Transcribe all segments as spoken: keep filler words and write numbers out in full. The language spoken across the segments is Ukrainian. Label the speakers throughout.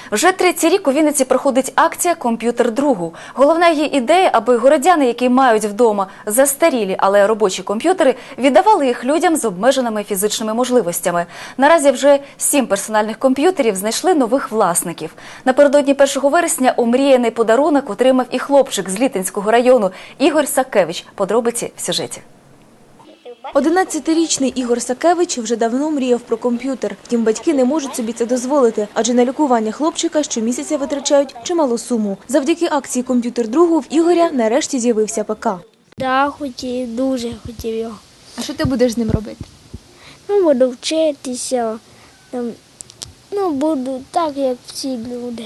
Speaker 1: Вже третій рік у Вінниці проходить акція «Комп'ютер другу». Головна її ідея, аби городяни, які мають вдома застарілі, але робочі комп'ютери, віддавали їх людям з обмеженими фізичними можливостями. Наразі вже сім персональних комп'ютерів знайшли нових власників. Напередодні першого вересня омріяний подарунок отримав і хлопчик з Літинського району Ігор Сакевич. Подробиці в сюжеті.
Speaker 2: одинадцятирічний Ігор Сакевич вже давно мріяв про комп'ютер. Втім, батьки не можуть собі це дозволити, адже на лікування хлопчика щомісяця витрачають чималу суму. Завдяки акції «Комп'ютер другу» в Ігоря нарешті з'явився ПК.
Speaker 3: Так, хотів, дуже хотів його.
Speaker 2: А що ти будеш з ним робити?
Speaker 3: Ну, буду вчитися, там, ну, буду так, як всі люди.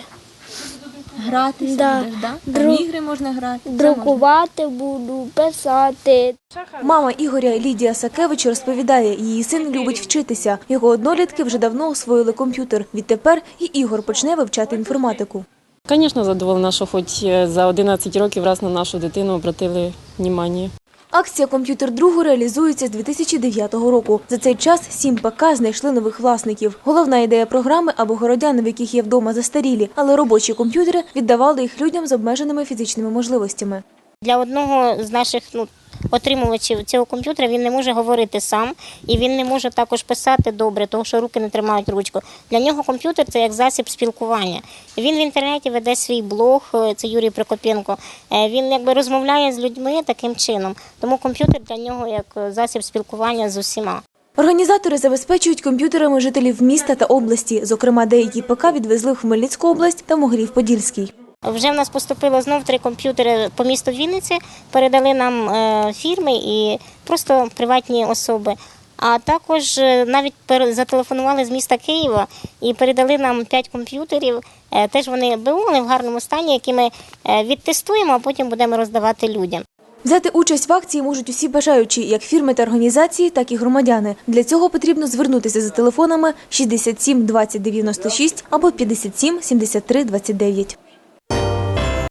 Speaker 2: Гратися
Speaker 3: Да.
Speaker 2: будеш, так? Да?
Speaker 3: Дру...
Speaker 2: В ігри можна грати?
Speaker 3: Друкувати буду, писати.
Speaker 2: Мама Ігоря Лідія Сакевич розповідає, її син любить вчитися. Його однолітки вже давно освоїли комп'ютер. Відтепер і Ігор почне вивчати інформатику.
Speaker 4: Звісно, задоволена, що хоч за одинадцять років раз на нашу дитину обратили увагу.
Speaker 2: Акція «Комп'ютер другу» реалізується з дві тисячі дев'ятого року. За цей час сім ПК знайшли нових власників. Головна ідея програми – аби городяни, в яких є вдома застарілі, але робочі комп'ютери, віддавали їх людям з обмеженими фізичними можливостями.
Speaker 5: Для одного з наших ну, отримувачів цього комп'ютера він не може говорити сам і він не може також писати добре, тому що руки не тримають ручку. Для нього комп'ютер – це як засіб спілкування. Він в інтернеті веде свій блог, це Юрій Прокопенко. Він якби розмовляє з людьми таким чином, тому комп'ютер для нього як засіб спілкування з усіма.
Speaker 2: Організатори забезпечують комп'ютерами жителів міста та області. Зокрема, деякі ПК відвезли в Хмельницьку область та Могилів-Подільський.
Speaker 5: Вже в нас поступило знов три комп'ютери по місту Вінниці, передали нам фірми і просто приватні особи. А також навіть зателефонували з міста Києва і передали нам п'ять комп'ютерів. Теж вони були в гарному стані, які ми відтестуємо, а потім будемо роздавати людям.
Speaker 2: Взяти участь в акції можуть усі бажаючі, як фірми та організації, так і громадяни. Для цього потрібно звернутися за телефонами шістдесят сім двадцять дев'яносто шість або п'ятдесят сім сімдесят три двадцять дев'ять.